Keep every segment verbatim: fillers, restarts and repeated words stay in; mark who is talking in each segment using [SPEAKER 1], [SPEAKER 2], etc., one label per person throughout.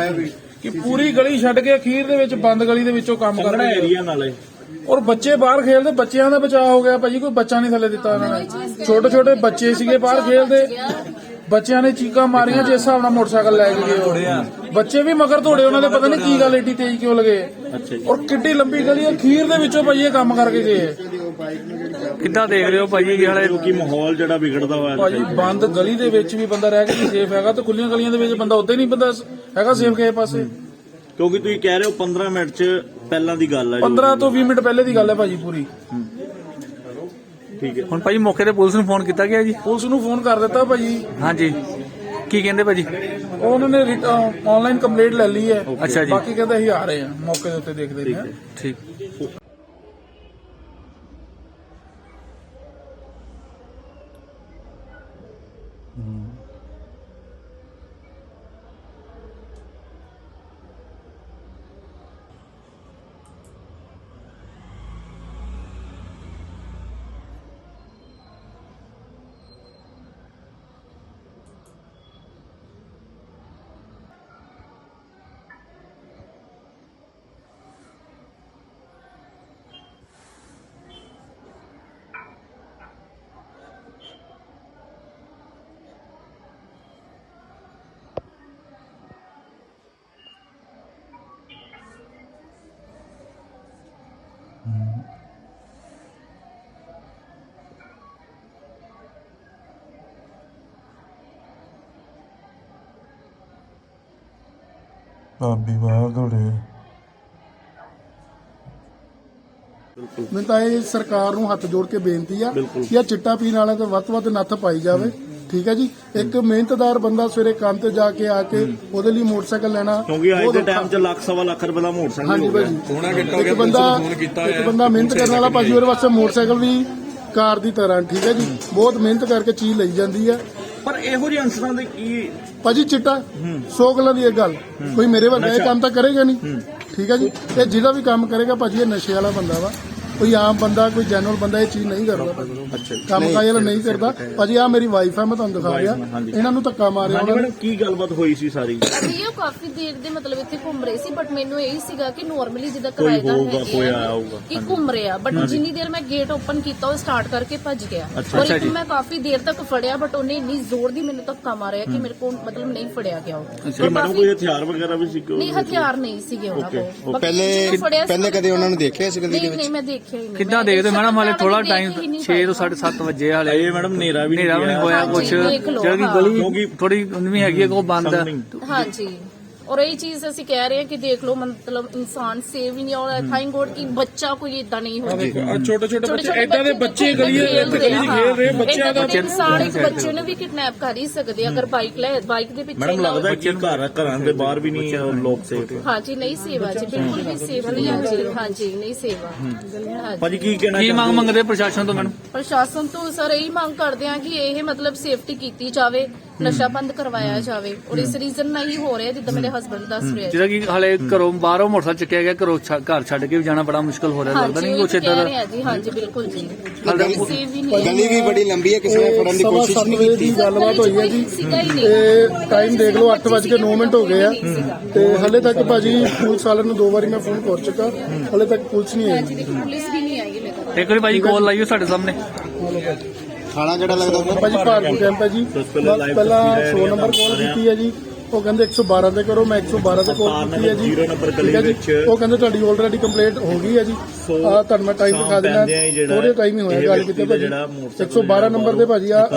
[SPEAKER 1] ਕਿ ਪੂਰੀ ਗਲੀ ਛੱਡ ਕੇ ਅਖੀਰ ਦੇ ਵਿੱਚ ਬੰਦ ਗਲੀ ਦੇ ਵਿੱਚੋਂ ਕੰਮ ਕਰ ਰਹੇ
[SPEAKER 2] ਏਰੀਆ ਨਾਲੇ
[SPEAKER 1] ਔਰ ਬੱਚੇ ਬਾਹਰ ਖੇਲਦੇ, ਬੱਚਿਆਂ ਦਾ ਬਚਾਅ ਹੋ ਗਿਆ ਭਾਜੀ, ਕੋਈ ਬੱਚਾ ਨਹੀਂ ਥੱਲੇ ਦਿੱਤਾ ਉਹਨਾਂ ਨੇ। ਛੋਟੇ ਛੋਟੇ ਬੱਚੇ ਸੀਗੇ ਬਾਹਰ ਖੇਲਦੇ, ਬੱਚਿਆਂ ਨੇ ਚੀਕਾਂ ਮਾਰੀਆਂ, ਜਿਸ ਹਿਸਾਬ ਨਾਲ ਮੋਟਰਸਾਈਕਲ ਲੈ ਕੇ ਗਏ ਬੱਚੇ ਵੀ ਮਗਰ ਦੌੜੇ, ਉਹਨਾਂ ਦੇ ਪਤਾ ਨਹੀਂ ਕੀ ਗੱਲ ਏਡੀ ਤੇਜ਼ ਕਿਉਂ ਲਗੇ। ਔਰ ਕਿੱਡੀ ਲੰਬੀ ਗਲੀ ਅਖੀਰ ਦੇ ਵਿੱਚੋਂ ਭਾਜੀ ਇਹ ਕੰਮ ਕਰਕੇ ਗਏ।
[SPEAKER 3] ਕਿੱਦਾਂ ਦੇਖ ਰਹੇ ਹੋ ਭਾਜੀ ਹਾਲੇ
[SPEAKER 2] ਕਿ ਮਾਹੌਲ ਜਿਹੜਾ ਵਿਗੜਦਾ ਹੋਇਆ
[SPEAKER 1] ਭਾਜੀ ਬੰਦ ਗਲੀ ਦੇ ਵਿੱਚ ਵੀ ਬੰਦਾ ਰਹਿ ਕੇ ਨਹੀਂ ਸੇਫ ਹੈਗਾ, ਤੇ ਖੁੱਲੀਆਂ ਗਲੀਆਂ ਦੇ ਵਿੱਚ ਬੰਦਾ ਉੱਦਾਂ ਹੀ ਨਹੀਂ ਬੰਦਾ ਹੈਗਾ ਸੇਫ ਕਿਸੇ ਪਾਸੇ।
[SPEAKER 2] ਕਿਉਂਕਿ ਤੁਸੀਂ ਕਹਿ ਰਹੇ ਹੋ ਪੰਦਰਾਂ ਮਿੰਟ ਚ ਪਹਿਲਾਂ ਦੀ ਗੱਲ ਹੈ,
[SPEAKER 1] ਪੰਦਰਾਂ ਤੋਂ ਵੀਹ ਮਿੰਟ ਪਹਿਲੇ ਦੀ ਗੱਲ ਹੈ ਭਾਜੀ ਪੂਰੀ।
[SPEAKER 2] ਠੀਕ ਹੈ।
[SPEAKER 3] ਹੁਣ ਭਾਜੀ ਮੌਕੇ ਤੇ ਪੁਲਿਸ ਨੂੰ ਫੋਨ ਕੀਤਾ ਗਿਆ ਜੀ?
[SPEAKER 1] ਪੁਲਿਸ ਨੂੰ ਫੋਨ ਕਰ ਦਿੱਤਾ ਭਾਜੀ।
[SPEAKER 3] ਹਾਂਜੀ, ਕੀ ਕਹਿੰਦੇ ਭਾਜੀ?
[SPEAKER 1] ਉਹਨਾਂ ਨੇ ਆਨਲਾਈਨ ਕੰਪਲੇਂਟ ਲੈ ਲਈ ਹੈ।
[SPEAKER 3] ਅੱਛਾ ਜੀ।
[SPEAKER 1] ਬਾਕੀ ਕਹਿੰਦੇ ਅਸੀਂ ਆ ਰਹੇ ਹਾਂ ਮੌਕੇ ਦੇ ਉੱਤੇ, ਦੇਖਦੇ ਹਾਂ।
[SPEAKER 3] ਠੀਕ।
[SPEAKER 4] ਭਾਬੀ ਬਾਹਰ ਦੌੜੇ।
[SPEAKER 5] ਮੈਂ ਤਾਂ ਇਹ ਸਰਕਾਰ ਨੂੰ ਹੱਥ ਜੋੜ ਕੇ ਬੇਨਤੀ ਆ ਕਿ ਇਹ ਚਿੱਟਾ ਪੀਣ ਵਾਲਿਆਂ ਤੇ ਵੱਧ ਤੋਂ ਵੱਧ ਨੱਥ ਪਾਈ ਜਾਵੇ। ਠੀਕ ਹੈ ਜੀ, ਇੱਕ ਮਿਹਨਤਦਾਰ ਬੰਦਾ ਸਵੇਰੇ ਕੰਮ ਤੇ ਜਾ ਕੇ ਆ ਕੇ ਉਹਦੇ ਲਈ ਮੋਟਰਸਾਈਕਲ ਲੈਣਾ,
[SPEAKER 2] ਕਿਉਂਕਿ ਅੱਜ ਦੇ ਟਾਈਮ 'ਚ ਲੱਖ ਸਵਾ ਲੱਖ ਰੁਪਏ ਦਾ ਮੋਟਰਸਾਈਕਲ
[SPEAKER 5] ਹਾਂਜੀ
[SPEAKER 2] ਹੋ ਗਿਆ।
[SPEAKER 5] ਭਾਜੀ, ਇੱਕ ਬੰਦਾ ਇੱਕ ਬੰਦਾ ਮਿਹਨਤ ਕਰਨ ਵਾਲਾ ਭਾਜੀ, ਉਹਦੇ ਵਾਸਤੇ ਮੋਟਰਸਾਈਕਲ ਵੀ ਕਾਰ ਦੀ ਤਰ੍ਹਾਂ। ਠੀਕ ਹੈ ਜੀ, ਬਹੁਤ ਮਿਹਨਤ ਕਰਕੇ ਚੀਜ਼ ਲਈ ਜਾਂਦੀ ਹੈ।
[SPEAKER 2] ਪਰ ਇਹੋ ਜਿਹੇ ਅਨਸਰਾਂ ਦੇ ਕੀ
[SPEAKER 5] ਭਾਜੀ ਚਿੱਟਾ ਸੌ ਗੱਲਾਂ ਦੀ ਇਹ ਗੱਲ, ਕੋਈ ਮੇਰੇ ਵਰਗਾ ਇਹ ਕੰਮ ਤਾਂ ਕਰੇਗਾ ਨਹੀਂ। ਠੀਕ ਹੈ ਜੀ, ਇਹ ਜਿਹਦਾ ਵੀ ਕੰਮ ਕਰੇਗਾ ਭਾਜੀ ਇਹ ਨਸ਼ੇ ਵਾਲਾ ਬੰਦਾ ਵਾ, ਕੋਈ ਆਮ ਬੰਦਾ, ਕੋਈ ਜੈਨੂਅਲ ਬੰਦਾ ਇਹ ਚੀਜ਼ ਨਹੀਂ ਕਰਦਾ ਭਾਜੀ, ਕੰਮ ਕਾਜ ਵਾਲਾ ਨਹੀਂ ਕਰਦਾ ਭਾਜੀ। ਆ ਮੇਰੀ ਵਾਈਫ ਹੈ, ਮੈਂ ਤੁਹਾਨੂੰ ਦਿਖਾ ਰਿਹਾ, ਇਹਨਾਂ ਨੂੰ ਧੱਕਾ ਮਾਰਿਆ ਉਹਨਾਂ ਨੇ।
[SPEAKER 2] ਕੀ ਗੱਲਬਾਤ ਹੋਈ ਸੀ ਸਾਰੀ?
[SPEAKER 6] ਅਸੀਂ ਉਹ ਕਾਫੀ ਦੇਰ ਦੇ ਮਤਲਬ ਇੱਥੇ ਘੁੰਮ ਰਹੇ ਸੀ, ਬਟ ਮੈਨੂੰ ਇਹ ਸੀਗਾ ਕਿ ਨਾਰਮਲੀ ਜਿੱਦਾਂ ਕਿਰਾਏਦਾਰ ਹੈ ਕਿ ਘੁੰਮ ਰਿਹਾ, ਬਟ ਜਿੰਨੀ ਦੇਰ ਮੈਂ ਗੇਟ ਓਪਨ ਕੀਤਾ ਉਹ ਸਟਾਰਟ ਕਰਕੇ ਭੱਜ ਗਿਆ। ਔਰ ਇੱਕ ਮੈਂ ਕਾਫੀ ਦੇਰ ਤੱਕ ਫੜਿਆ, ਬਟ ਉਹਨੇ ਇੰਨੀ ਜ਼ੋਰ ਦੀ ਮੈਨੂੰ ਧੱਕਾ ਮਾਰਿਆ ਕਿ ਮੇਰੇ ਕੋਲ ਮਤਲਬ ਨਹੀਂ ਫੜਿਆ ਗਿਆ ਉਹ।
[SPEAKER 2] ਮੈਡਮ ਕੋਈ ਹਥਿਆਰ ਵਗੈਰਾ ਵੀ ਸੀ?
[SPEAKER 6] ਨਹੀਂ, ਹਥਿਆਰ ਨਹੀਂ ਸੀਗੇ ਉਹਨਾਂ ਕੋਲ।
[SPEAKER 7] ਪਹਿਲੇ ਪਹਿਲੇ ਕਦੇ ਉਹਨਾਂ ਨੂੰ ਦੇਖਿਆ ਸੀ ਗਲੀ ਦੇ
[SPEAKER 6] ਨਹੀਂ
[SPEAKER 7] ਵਿੱਚ?
[SPEAKER 6] ਨਹੀਂ, ਮੈਂ ਦੇਖਿਆ ਹੀ ਨਹੀਂ।
[SPEAKER 3] ਕਿੱਦਾਂ ਦੇਖਦੇ ਮੈਡਮ ਹਾਲੇ ਥੋੜਾ ਟਾਈਮ ਛੇ ਤੋਂ ਸਾਢੇ ਸੱਤ ਵਜੇ ਹਾਲੇ
[SPEAKER 2] ਇਹ ਮੈਡਮ ਹਨੇਰਾ ਵੀ
[SPEAKER 3] ਹਨੇਰਾ ਵੀ ਨਹੀਂ ਹੋਇਆ ਕੁਛ, ਜਿਹੜੀ ਗਲੀ ਥੋੜੀ ਵੀ ਹੈਗੀ ਹੈ ਉਹ ਬੰਦ ਹੈ।
[SPEAKER 6] ਹਾਂਜੀ, ਔਰ ਇਹ ਚੀਜ਼ ਅਸੀਂ ਕਹਿ ਰਹੇ ਹਾਂ ਕਿ ਦੇਖ ਲਓ ਮਤਲਬ ਇਨਸਾਨ ਸੇਵ ਹੀ ਨਹੀਂ, ਔਰ ਥੈਂਕ ਗੋਡ ਕਿ ਬੱਚਾ ਕੋਈ ਇਦਾਂ ਨਹੀਂ ਹੋਇਆ।
[SPEAKER 1] ਛੋਟੇ ਛੋਟੇ ਬੱਚੇ ਏਦਾਂ ਦੇ ਬੱਚੇ ਗਲੀ ਗਲੀ ਚ ਖੇਲ ਰਹੇ, ਬੱਚਿਆਂ ਦਾ
[SPEAKER 6] ਇਨਸਾਨ ਇੱਕ ਬੱਚੇ ਨੂੰ ਵੀ ਕਿਡਨੈਪ ਕਰ ਹੀ ਸਕਦੇ ਅਗਰ ਬਾਈਕ ਲੈ ਬਾਈਕ ਦੇ ਪਿੱਛੇ।
[SPEAKER 2] ਮੈਡਮ ਲੱਗਦਾ ਕਿ ਘਰ ਘਰਾਂ ਦੇ ਬਾਹਰ ਵੀ ਨਹੀਂ ਲੋਕ ਸੇਫ?
[SPEAKER 6] ਹਾਂਜੀ, ਨਹੀਂ ਸੇਵਾ ਜੀ, ਬਿਲਕੁਲ ਵੀ ਸੇਫ ਨਹੀਂ ਹੈ ਜੀ। ਹਾਂਜੀ, ਨਹੀਂ ਸੇਵਾ।
[SPEAKER 2] ਭਾਜੀ ਕੀ ਕਹਿਣਾ
[SPEAKER 3] ਕੀ ਮੰਗ ਮੰਗਦੇ ਪ੍ਰਸ਼ਾਸਨ ਤੋਂ ਮੈਡਮ?
[SPEAKER 6] ਪ੍ਰਸ਼ਾਸਨ ਤੋਂ ਸਰ ਇਹੀ ਮੰਗ ਕਰਦੇ ਆ ਕਿ ਇਹ ਮਤਲਬ ਸੇਫਟੀ ਕੀਤੀ ਜਾਵੇ, ਨਸ਼ਾ ਬੰਦ ਕਰਵਾਇਆ ਜਾਵੇ। ਔਰ ਇਸ ਰੀਜ਼ਨ ਨਾਲ ਹੀ ਹੋ ਰਿਹਾ ਜਿੱਦਾਂ ਮੇਰੇ ਹਸਬੰਡ ਦੱਸ ਰਹੇ।
[SPEAKER 3] ਜਿਹੜਾ ਕਿ ਹਾਲੇ ਘਰੋਂ ਬਾਹਰੋਂ ਮੋਟਰਸਾਈਕਲ ਚੱਕਿਆ ਗਿਆ, ਘਰੋਂ ਘਰ ਛੱਡ ਕੇ ਵੀ ਜਾਣਾ ਬੜਾ ਮੁਸ਼ਕਲ ਹੋ ਰਿਹਾ, ਲੱਗਦਾ ਨਹੀਂ ਕੁਛ ਇਦਾਂ ਦਾ?
[SPEAKER 6] ਜੀ ਹਾਂਜੀ, ਬਿਲਕੁਲ ਜੀ।
[SPEAKER 7] ਗਲੀ ਵੀ ਬੜੀ ਲੰਬੀ ਹੈ, ਕਿਸੇ ਨੇ ਫੜਨ ਦੀ ਕੋਸ਼ਿਸ਼ ਨਹੀਂ ਕੀਤੀ।
[SPEAKER 5] ਗੱਲਬਾਤ ਹੋਈ ਹੈ ਜੀ, ਤੇ ਟਾਈਮ ਦੇਖ ਲਓ ਅੱਠ ਵੱਜ ਕੇ ਨੌ ਮਿੰਟ ਹੋ ਗਏ ਆ, ਤੇ ਹਲੇ ਤੱਕ ਭਾਜੀ ਪੁਲਿਸ ਵਾਲਿਆਂ ਨੂੰ ਦੋ ਵਾਰੀ ਮੈਂ ਫੋਨ ਕਰ ਚੁੱਕਾ, ਹਲੇ ਤੱਕ ਪੁਲਿਸ ਨਹੀਂ ਆਈ।
[SPEAKER 6] ਪੁਲਿਸ ਵੀ ਨਹੀਂ ਆਈ।
[SPEAKER 3] ਇੱਕ ਵਾਰੀ ਭਾਜੀ ਕਾਲ ਲਾਈਓ ਸਾਡੇ ਸਾਹਮਣੇ।
[SPEAKER 7] ਥਾਣਾ ਜਿਹੜਾ ਲੱਗਦਾ
[SPEAKER 5] ਭਾਜੀ ਭਾਰਤੀ ਕੈਂਪ ਹੈ ਜੀ, ਪਹਿਲਾਂ ਸੌ ਨੰਬਰ ਕਾਲ ਕੀਤੀ ਹੈ ਜੀ, ਉਹ ਕਹਿੰਦੇ ਇੱਕ ਸੌ ਬਾਰਾਂ ਤੇ ਕਰੋ, ਮੈਂ ਇੱਕ ਸੌ ਬਾਰਾਂ ਤੇ ਕਾਲ ਕੀਤੀ ਹੈ ਜੀ। ਠੀਕ ਹੈ ਜੀ, ਉਹ ਕਹਿੰਦੇ ਤੁਹਾਡੀ ਆਲਰੇਡੀ ਕੰਪਲੇਂਟ ਹੋ ਗਈ ਹੈ ਜੀ, ਆ ਤੁਹਾਨੂੰ ਮੈਂ ਟਾਈਮ ਦਿਖਾ ਦੇਣਾ, ਥੋੜੇ ਟਾਈਮ ਹੀ ਹੋਇਆ ਗੱਲ ਕੀਤੇ ਭਾਜੀ। ਇੱਕ ਸੌ ਬਾਰਾਂ ਨੰਬਰ ਤੇ ਭਾਜੀ ਆ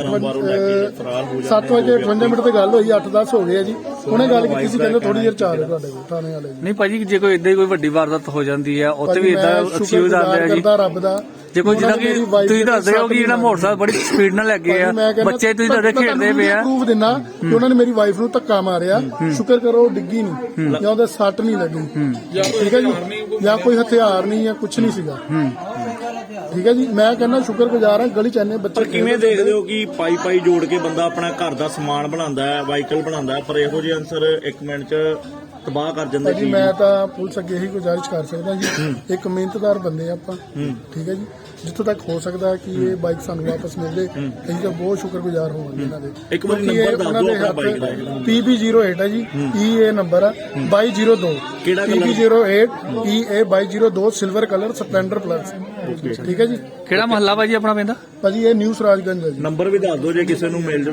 [SPEAKER 5] ਸੱਤ ਵਜੇ ਅਠਵੰਜਾ ਮਿੰਟ ਤੇ ਗੱਲ ਹੋਈ, ਅੱਠ ਦਸ ਹੋ ਗਏ ਆ ਜੀ। ਉਹਨੇ ਗੱਲ ਕੀਤੀ ਸੀ, ਕਹਿੰਦੇ ਥੋੜੀ ਦੇਰ ਚਾਰ ਤੁਹਾਡੇ ਕੋਲ ਥਾਣੇ ਵਾਲੇ।
[SPEAKER 3] ਨਹੀਂ ਭਾਜੀ, ਜੇ ਕੋਈ ਏਦਾਂ ਹੀ ਕੋਈ ਵੱਡੀ ਵਾਰਦਾਤ ਹੋ ਜਾਂਦੀ ਹੈ ਉੱਥੇ ਵੀ ਏਦਾਂ ਐਕਸਕਿਊਜ਼ ਆਉਂਦੇ ਆ ਜੀ।
[SPEAKER 5] ਰੱਬ ਦਾ
[SPEAKER 3] ਜੇ ਕੋਈ ਜਿੱਦਾਂ ਕਿ ਤੁਸੀਂ ਦੱਸਦੇ ਹੋ ਕਿ ਜਿਹੜਾ ਮੋਟਰਸਾਈਕਲ ਬੜੀ ਸਪੀਡ ਨਾਲ ਲੱਗੇ ਆ, ਬੱਚੇ ਤੁਸੀਂ ਦੱਸਦੇ ਖੇਡਦੇ ਪਏ ਆ।
[SPEAKER 5] ਪ੍ਰੂਫ ਦਿਨਾ ਕਿ ਉਹਨਾਂ ਨੇ ਮੇਰੀ ਵਾਈਫ ਨੂੰ ਧੱਕਾ ਮਾਰਿਆ, ਸ਼ੁਕਰ ਕਰੋ ਡਿੱਗੀ ਨਹੀਂ ਜਾਂ ਉਹਦੇ ਸੱਟ ਨਹੀਂ ਲੱਗੀ। ਠੀਕ ਹੈ ਜੀ, ਜਾਂ ਕੋਈ ਹਥਿਆਰ ਨਹੀਂ ਜਾਂ ਕੁਝ ਨਹੀਂ ਸੀਗਾ। ਠੀਕ ਹੈ ਜੀ, ਮੈਂ ਕਹਿੰਦਾ ਸ਼ੁਕਰਗੁਜ਼ਾਰ ਹਾਂ ਗਲੀ ਚ ਇੰਨੇ ਬੱਚੇ।
[SPEAKER 2] ਕਿਵੇਂ ਦੇਖਦੇ ਹੋ ਕਿ ਪਾਈ ਪਾਈ ਜੋੜ ਕੇ ਬੰਦਾ ਆਪਣਾ ਘਰ ਦਾ ਸਮਾਨ ਬਣਾਉਂਦਾ ਹੈ, ਵਾਹੀਕਲ ਬਣਾਉਂਦਾ ਹੈ, ਪਰ ਇਹੋ ਜਿਹੇ ਅਨਸਰ ਇੱਕ ਮਿੰਟ ਚ ਤਬਾਹ ਕਰ ਜਾਂਦੇ?
[SPEAKER 5] ਜੀ ਮੈਂ ਤਾਂ ਪੁਲਿਸ ਅੱਗੇ ਹੀ ਗੁਜ਼ਾਰਿਸ਼ ਕਰ ਸਕਦਾ ਜੀ, ਇੱਕ ਮਿਹਨਤਦਾਰ ਬੰਦੇ ਆਪਾਂ। ਠੀਕ ਹੈ ਜੀ, ਜਿੱਥੋਂ ਤੱਕ ਹੋ ਸਕਦਾ ਹੈ ਕਿ ਇਹ ਬਾਈਕ ਸਾਨੂੰ ਵਾਪਸ ਮਿਲ ਜੇ ਅਸੀਂ ਤਾਂ ਬਹੁਤ ਸ਼ੁਕਰਗੁਜ਼ਾਰ ਹੋਵਾਂਗੇ ਇਹਨਾਂ ਦੇ।
[SPEAKER 2] ਇੱਕ ਵਾਰੀ
[SPEAKER 5] ਕਿਉਂਕਿ ਇਹ
[SPEAKER 2] ਨੰਬਰ ਦੱਸ
[SPEAKER 5] ਉਹਨਾਂ
[SPEAKER 2] ਦਿਓ
[SPEAKER 5] ਦੇ
[SPEAKER 2] ਆਪਣਾ ਬਾਈਕ ਦਾ।
[SPEAKER 5] ਪੀ ਬੀ ਜ਼ੀਰੋ ਏਟ ਹੈ ਜੀ, ਈ ਏ ਨੰਬਰ ਆ ਬਾਈ ਜ਼ੀਰੋ ਦੋ,
[SPEAKER 2] ਕਿਹੜਾ
[SPEAKER 5] P B zero eight E A ਬਾਈ ਜ਼ੀਰੋ ਦੋ, ਸਿਲਵਰ ਕਲਰ, ਸਪਲੈਂਡਰ ਪਲੱਸ। ਠੀਕ ਹੈ ਜੀ।
[SPEAKER 3] ਕਿਹੜਾ ਮਹੱਲਾ ਭਾਜੀ ਆਪਣਾ ਪੈਂਦਾ?
[SPEAKER 5] ਭਾਜੀ ਇਹ ਨਿਊ ਸਰਾਜਗੰਜ ਹੈ ਜੀ।
[SPEAKER 2] ਨੰਬਰ ਵੀ ਦੱਸ ਦਿਓ ਜੇ ਕਿਸੇ ਨੂੰ ਮਿਲ ਜਾਵੇ।